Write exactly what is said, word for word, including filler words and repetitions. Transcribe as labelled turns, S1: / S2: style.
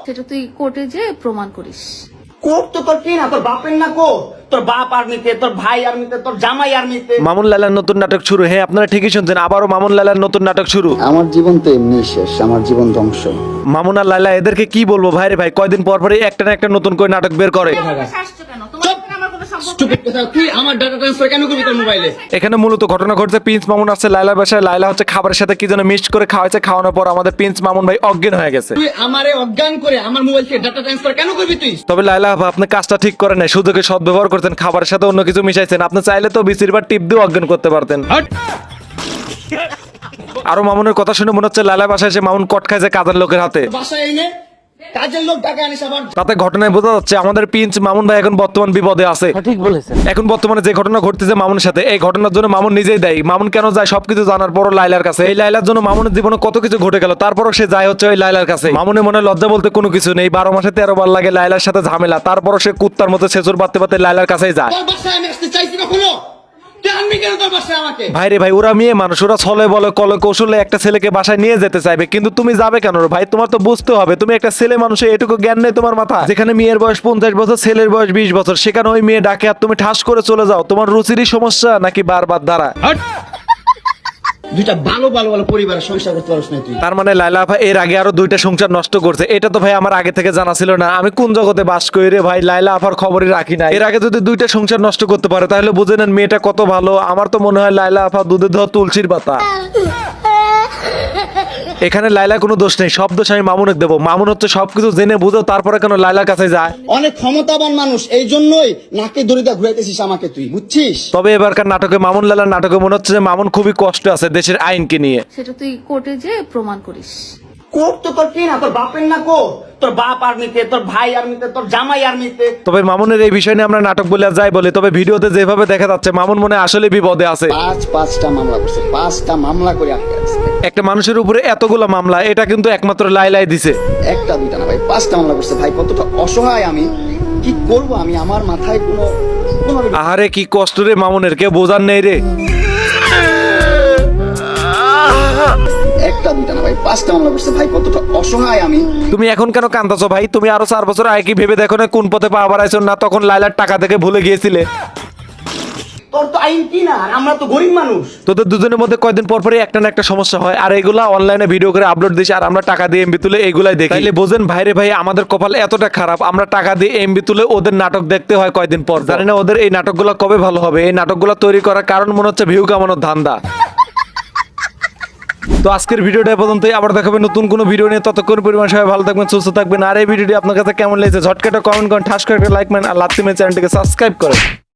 S1: সেটা তুই কোর্টে যে প্রমাণ করিস।
S2: কোর্ট তো তোর কি না, তোর বাপের না কোর্ট? তোর বাপ আর্মিতে, তোর ভাই আর্মিতে, তোর জামাই আর্মিতে।
S3: মামুন লালার নতুন নাটক শুরু। হ্যাঁ, আপনারা ঠিকই শুনছেন, আবারও মামুন লালার নতুন নাটক শুরু।
S4: আমার জীবন তো এমনি শেষ, আমার জীবন ধ্বংস।
S3: মামুন আর লালা এদেরকে কি বলবো ভাই রে ভাই, কয়দিন পর পরে একটা না একটা নতুন করে নাটক বের করে।
S2: স্টুপিড কথা, তুই আমার ডাটা ট্রান্সফার কেন করবি তোর মোবাইলে?
S3: এখানে মূলত ঘটনা ঘটছে, প্রিন্স মামুন আসছে লাইলার বাসায়। লাইলা হচ্ছে খাবারের সাথে কি যেন মিক্সড করে খাওয়াইছে, খাওয়ানোর পর আমাদের প্রিন্স মামুন ভাই অজ্ঞান হয়ে গেছে।
S2: তুই আমারে অজ্ঞান করে আমার মোবাইল থেকে ডাটা ট্রান্সফার কেন করবি তুই?
S3: তবে লাইলা আপা, আপনি কাজটা ঠিক করেন নাই, সুযোগে সদ্ব্যবহার করছেন, খাবারের সাথে অন্য কিছু মিশাইছেন। আপনি চাইলে তো বিসির বার টিপ দিয়ে অজ্ঞান করতে পারতেন। আরো মামুনের কথা শুনে মনে হচ্ছে লাইলা বাসায় এসে মামুন কট খাইছে কাজের লোকের হাতে।
S2: বাসায় এনে কাজের লোক টাকা আনিস আবার।
S3: তাতে ঘটনায় বোঝা যাচ্ছে আমাদের প্রিন্স মামুন ভাই এখন বর্তমান বিপদে আছে।
S5: ঠিক বলেছেন।
S3: এখন বর্তমানে যে ঘটনা ঘটতেছে মামুনের সাথে, এই ঘটনার জন্য মামুন নিজেই দায়ী। মামুন কেন যায় সবকিছু জানার পরও লাইলার কাছে। এই লাইলার জন্য মামুনের জীবনে কত কিছু ঘটে গেল, তারপরও সে যায় হচ্ছে ওই লাইলার কাছে। মামুনের মনে লজ্জা বলতে কোনো কিছু নেই। বারো মাসে তেরো বার লাগে লাইলার সাথে ঝামেলা, তারপরও সে কুত্তার মতো ছেচুর বাঁধতে বাঁধতে লাইলার কাছেই যায়।
S2: তোর বাসায় আমি আসতে চাইছি কখনো? তুই আনবি কেন তোর বাসায় আমাকে?
S3: ভাই রে ভাই, ওরা মেয়ে মানুষ, ওরা ছলে বলে কলে কৌশলে একটা ছেলেকে বাসায় নিয়ে যেতে চাইবে, কিন্তু তুমি যাবে কেন রে ভাই? তোমার তো বুঝতে হবে, তুমি একটা ছেলে মানুষের এটুকু জ্ঞান নেই তোমার মাথা। যেখানে মেয়ের বয়স পঞ্চাশ বছর, ছেলের বয়স বিশ বছর, সেখানে ওই মেয়ে ডাকে আর তুমি ঠাস করে চলে যাও। তোমার রুচিরই সমস্যা নাকি বারবার দ্বারা?
S2: দুইটা ভালো ভালো ভালো পরিবারের সংসার করতে পারছ না তুই।
S3: তার মানে লাইলা আপা এর আগে আরো দুইটা সংসার নষ্ট করছে। এটা তো ভাই আমার আগে থেকে জানা ছিল না। আমি কোন জগতে বাস করি রে ভাই, লাইলা আপার খবরই রাখি না। এর আগে যদি দুইটা সংসার নষ্ট করতে পারে তাহলে বুঝে নেন মেয়েটা কত ভালো। আমার তো মনে হয় লাইলা আপা দুধে ধোয়া তুলসীর পাতা। এখানে লাইলা কোনো দোষ নেই, সব দোষ আমি মামুনের দেবো। মামুন হচ্ছে সবকিছু জেনে বুঝো তারপরে কেন লাইলার কাছে যায়।
S2: অনেক ক্ষমতাবান মানুষ, এই জন্যই নাকে দড়িটা ঘুরাইতেছিস আমাকে তুই, বুঝছিস?
S3: তবে এবারকার নাটকে, মামুন লালার নাটকে মনে হচ্ছে যে মামুন খুবই কষ্ট আছে দেশের আইনকে নিয়ে।
S1: সেটা তুই কোর্টে যে প্রমাণ করিস।
S2: কোর্ট তো তোর কি না, তোর বাপের না কোর্ট? তোর বাপ আর্মিতে, তোর ভাই আর্মিতে, তোর জামাই আর্মিতে।
S3: তবে মামুনের এই বিষয় নিয়ে আমরা নাটক বলে আর যাই বলি, তবে ভিডিওতে যেভাবে দেখা যাচ্ছে মামুন মনে হয় আসলে বিপদে আছে।
S4: পাঁচ পাঁচটা মামলা করছে, পাঁচটা মামলা করে আটকে আছে।
S3: একটা মানুষের উপরে এতগুলো মামলা, এটা কিন্তু একমাত্র লাইলাই দিছে।
S4: একটা দুইটা না ভাই, পাঁচটা মামলা করছে। ভাই কতটা অসহায় আমি, কি করব আমি? আমার মাথায় কোনো কোনো
S3: আহারে কি কষ্ট রে মামুনের, কেউ বোঝার নেই রে।
S4: একটা দুইটা না ভাই, পাঁচটা মামলা করছে। ভাই কতটা অসহায় আমি।
S3: তুমি এখন কেন কান্দাছো ভাই? তুমি আরো চার বছর আগে কি ভেবে দেখো না কোন পথে পা বাড়াইছো না? তখন লাইলার টাকা থেকে ভুলে গিয়েছিলে।
S2: তোর তো আইন কি না, আর আমরা তো গরিব মানুষ।
S3: তোদের দুজনের মধ্যে কয়দিন পর পরই একটা না একটা সমস্যা হয়, আর এগুলা অনলাইনে ভিডিও করে আপলোড দিস, আর আমরা টাকা দিয়ে এমবি তুলে এগুলাই দেখি। তাইলে বোঝেন ভাইরে ভাই, আমাদের কপাল এতটা খারাপ, আমরা টাকা দিয়ে এমবি তুলে ওদের নাটক দেখতে হয় কয়দিন পর। জানি না ওদের এই নাটকগুলো কবে ভালো হবে। এই নাটকগুলো তৈরি করার কারণ মনে হচ্ছে ভিউ কামানোর ধান্দা। তো আজকের ভিডিওটা পর্যন্তই, আবার দেখাবে নতুন কোনো ভিডিও নিয়ে। ততক্ষণ পরিমাণ সবাই ভালো থাকবেন, সুস্থ থাকবেন। আর এই ভিডিওটি আপনার কাছে কেমন লেগেছে ঝটকা একটা কমেন্ট করেন, ঠাস করে একটা লাইক মারেন, আর লাত্তি মেরে চ্যানেলটিকে সাবস্ক্রাইব করেন।